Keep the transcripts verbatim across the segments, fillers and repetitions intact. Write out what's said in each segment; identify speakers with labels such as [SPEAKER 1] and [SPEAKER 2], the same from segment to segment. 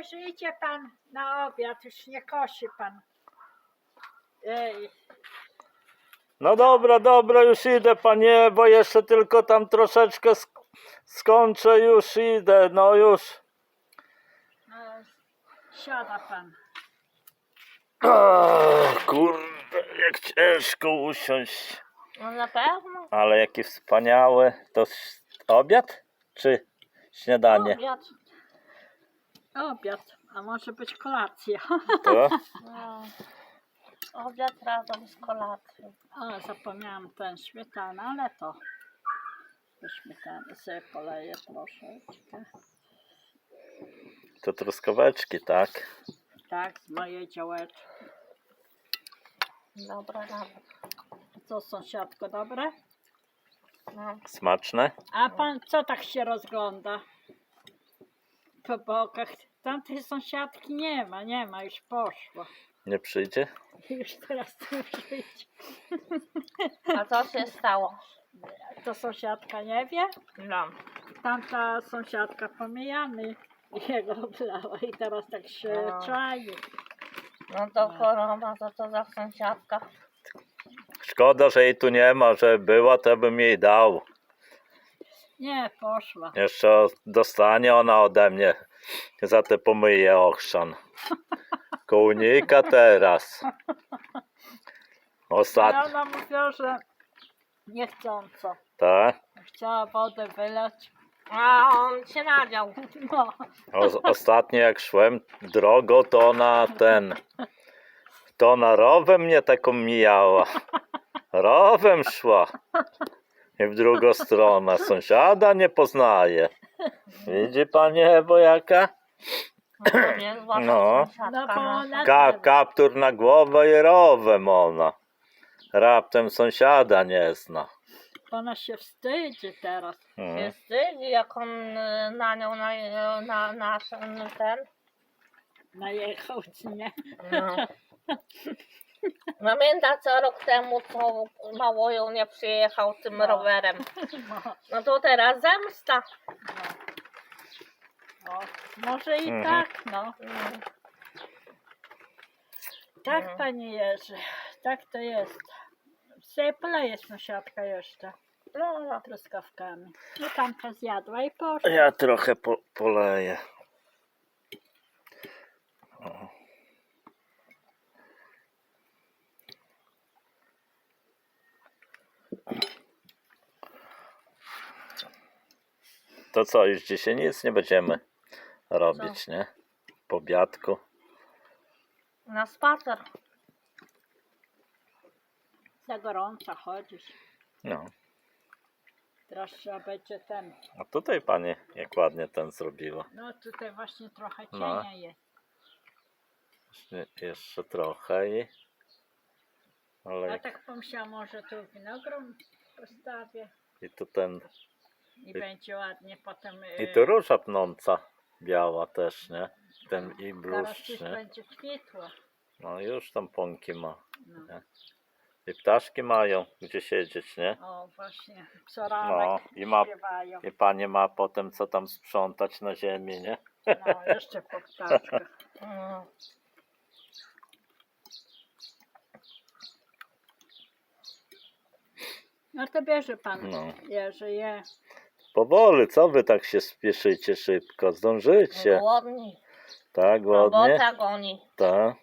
[SPEAKER 1] Jerzy, idzie pan na obiad, już nie kosi pan. Ej.
[SPEAKER 2] No dobra, dobra, już idę, panie, bo jeszcze tylko tam troszeczkę sk skończę, już idę, no już.
[SPEAKER 1] No, siada pan.
[SPEAKER 2] Ach, kurde, jak ciężko usiąść.
[SPEAKER 3] No na pewno.
[SPEAKER 2] Ale jaki wspaniały. To s- obiad czy śniadanie?
[SPEAKER 3] Obiad.
[SPEAKER 1] Obiad, a może być kolacja.
[SPEAKER 2] To?
[SPEAKER 3] No. Obiad razem z kolacją.
[SPEAKER 1] O, zapomniałam ten śmietana, ale to do śmietany sobie poleję troszeczkę.
[SPEAKER 2] To truskaweczki, tak?
[SPEAKER 1] Tak, z mojej działeczki.
[SPEAKER 3] Dobra, dobra.
[SPEAKER 1] Co, sąsiadko, dobre?
[SPEAKER 3] No.
[SPEAKER 2] Smaczne?
[SPEAKER 1] A pan co tak się rozgląda? Po bokach. Tamtej sąsiadki nie ma, nie ma, już poszło.
[SPEAKER 2] Nie przyjdzie?
[SPEAKER 1] Już teraz tu przyjdzie.
[SPEAKER 3] A co się stało?
[SPEAKER 1] To sąsiadka nie wie?
[SPEAKER 3] No.
[SPEAKER 1] Tamta sąsiadka pomijamy jego oblała i teraz tak się
[SPEAKER 3] No.
[SPEAKER 1] czai.
[SPEAKER 3] No to choroba, to co za sąsiadka.
[SPEAKER 2] Szkoda, że jej tu nie ma, że była, to bym jej dał.
[SPEAKER 1] Nie, poszła.
[SPEAKER 2] Jeszcze dostanie ona ode mnie za te pomyje ochrzan. Kołnika teraz.
[SPEAKER 1] Ale
[SPEAKER 2] Ostatnio,
[SPEAKER 1] ona mówiła, że niechcąco.
[SPEAKER 2] tak?
[SPEAKER 1] Chciała wodę wylać.
[SPEAKER 3] A on się nadział.
[SPEAKER 1] No,
[SPEAKER 2] O, ostatnio jak szłem drogą, to ona ten, to ona rowem mnie taką mijała. Rowem szła. I w drugą stronę. Sąsiada nie poznaje. Widzi panie Ewo jaka?
[SPEAKER 3] No to niezła
[SPEAKER 2] No.
[SPEAKER 1] no
[SPEAKER 3] sąsiadka
[SPEAKER 1] bo
[SPEAKER 3] nasza.
[SPEAKER 1] ona
[SPEAKER 2] Ka
[SPEAKER 1] ten,
[SPEAKER 2] kaptur na głowę i rowem ona. Raptem sąsiada nie zna.
[SPEAKER 1] ona się wstydzi teraz.
[SPEAKER 3] Się
[SPEAKER 2] Mhm.
[SPEAKER 3] wstydzi, jak on y, na nią, na, na nasz ten.
[SPEAKER 1] Najechał, czy nie?
[SPEAKER 3] No. Pamięta co rok temu, co mało ją nie przyjechał tym
[SPEAKER 1] No.
[SPEAKER 3] rowerem.
[SPEAKER 1] No,
[SPEAKER 3] No to teraz zemsta.
[SPEAKER 1] no. O, może i
[SPEAKER 2] Mhm.
[SPEAKER 1] tak, no.
[SPEAKER 3] Mm.
[SPEAKER 1] Tak,
[SPEAKER 3] No.
[SPEAKER 1] panie Jerzy, tak to jest. Sobie poleje sąsiadka jeszcze
[SPEAKER 3] No, no.
[SPEAKER 1] truskawkami. No tamta zjadła i poszła.
[SPEAKER 2] Ja trochę po poleję. O. To co, już dzisiaj nic nie będziemy robić, nie? Po obiadku.
[SPEAKER 3] Na spacer.
[SPEAKER 1] Za gorąco chodzisz.
[SPEAKER 2] No.
[SPEAKER 1] Teraz trzeba będzie ten.
[SPEAKER 2] A tutaj pani jak ładnie ten zrobiła.
[SPEAKER 1] No tutaj właśnie trochę
[SPEAKER 2] No.
[SPEAKER 1] cienia jest.
[SPEAKER 2] Jeszcze, jeszcze trochę i... Ale
[SPEAKER 1] Ja tak pomyślałam, może tu winogron postawię
[SPEAKER 2] i tu ten...
[SPEAKER 1] i będzie ładnie potem.
[SPEAKER 2] I
[SPEAKER 1] y,
[SPEAKER 2] tu róża pnąca biała też, nie? Ten i
[SPEAKER 1] Teraz
[SPEAKER 2] bluszcz,
[SPEAKER 1] już
[SPEAKER 2] nie?
[SPEAKER 1] będzie kwitło.
[SPEAKER 2] No już tam pąki ma.
[SPEAKER 1] No.
[SPEAKER 2] I ptaszki mają gdzie siedzieć, nie?
[SPEAKER 1] O właśnie,
[SPEAKER 2] No
[SPEAKER 1] psoranek
[SPEAKER 2] i ma...
[SPEAKER 1] śpiewają.
[SPEAKER 2] I pani ma potem co tam sprzątać na ziemi, nie?
[SPEAKER 1] No jeszcze po ptaszkach.
[SPEAKER 3] Mm.
[SPEAKER 1] No to bierze pan,
[SPEAKER 2] No.
[SPEAKER 1] Jerzy, je.
[SPEAKER 2] Powoli, co wy tak się spieszycie szybko? Zdążycie.
[SPEAKER 3] Głodni.
[SPEAKER 2] Tak, głodnie?
[SPEAKER 3] Robota goni.
[SPEAKER 2] Tak.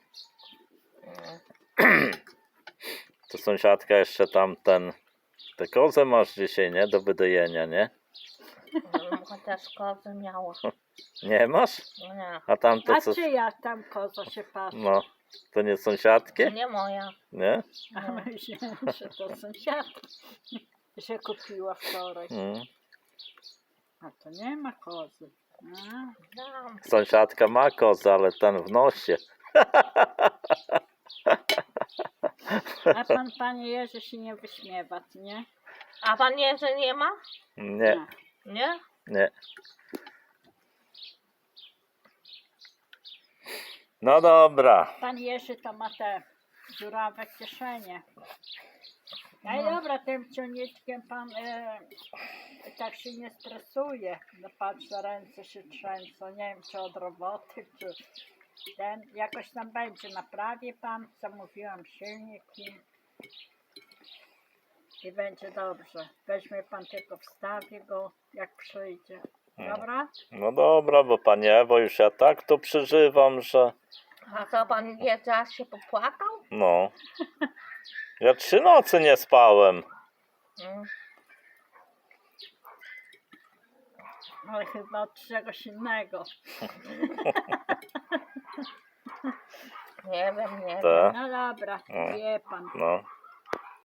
[SPEAKER 3] Mm.
[SPEAKER 2] To sąsiadka jeszcze tam ten... Te kozę masz dzisiaj, nie? Do wydojenia, nie?
[SPEAKER 3] Mm, Chociaż kozy miała.
[SPEAKER 2] Nie masz?
[SPEAKER 3] No nie.
[SPEAKER 2] A tamte
[SPEAKER 1] A
[SPEAKER 2] co...
[SPEAKER 1] czyja tam koza się patrzy?
[SPEAKER 2] No. To nie sąsiadki?
[SPEAKER 3] Nie moja.
[SPEAKER 2] Nie?
[SPEAKER 1] A myślałem, że to sąsiadka, że kupiła wczoraj.
[SPEAKER 2] Mm.
[SPEAKER 1] A to nie ma kozy. A,
[SPEAKER 3] Dam.
[SPEAKER 2] Sąsiadka ma kozę, ale ten w nosie.
[SPEAKER 1] a pan, panie Jerzy, się nie wyśmiewa, co nie?
[SPEAKER 3] A pan Jerzy nie ma?
[SPEAKER 2] Nie,
[SPEAKER 3] Nie?
[SPEAKER 2] nie. No dobra.
[SPEAKER 1] Pan Jerzy to ma te dziurawe kieszenie. No i
[SPEAKER 3] No.
[SPEAKER 1] dobra, tym ciągniczkiem pan e, tak się nie stresuje. No patrzę, ręce się trzęsą, nie wiem czy od roboty, czy ten, jakoś tam będzie, naprawi pan, zamówiłam silnik i, i będzie dobrze. Weźmie pan tylko, wstawi go jak przyjdzie. Dobra?
[SPEAKER 2] No dobra, bo panie Ewo, już ja tak to przeżywam, że
[SPEAKER 3] A co pan wie, teraz się popłakał?
[SPEAKER 2] no. Ja trzy nocy nie spałem.
[SPEAKER 3] Mm.
[SPEAKER 1] Ale chyba od czegoś innego.
[SPEAKER 3] Nie wiem, nie wiem.
[SPEAKER 2] Te,
[SPEAKER 1] No dobra,
[SPEAKER 2] No.
[SPEAKER 1] wie pan.
[SPEAKER 2] no.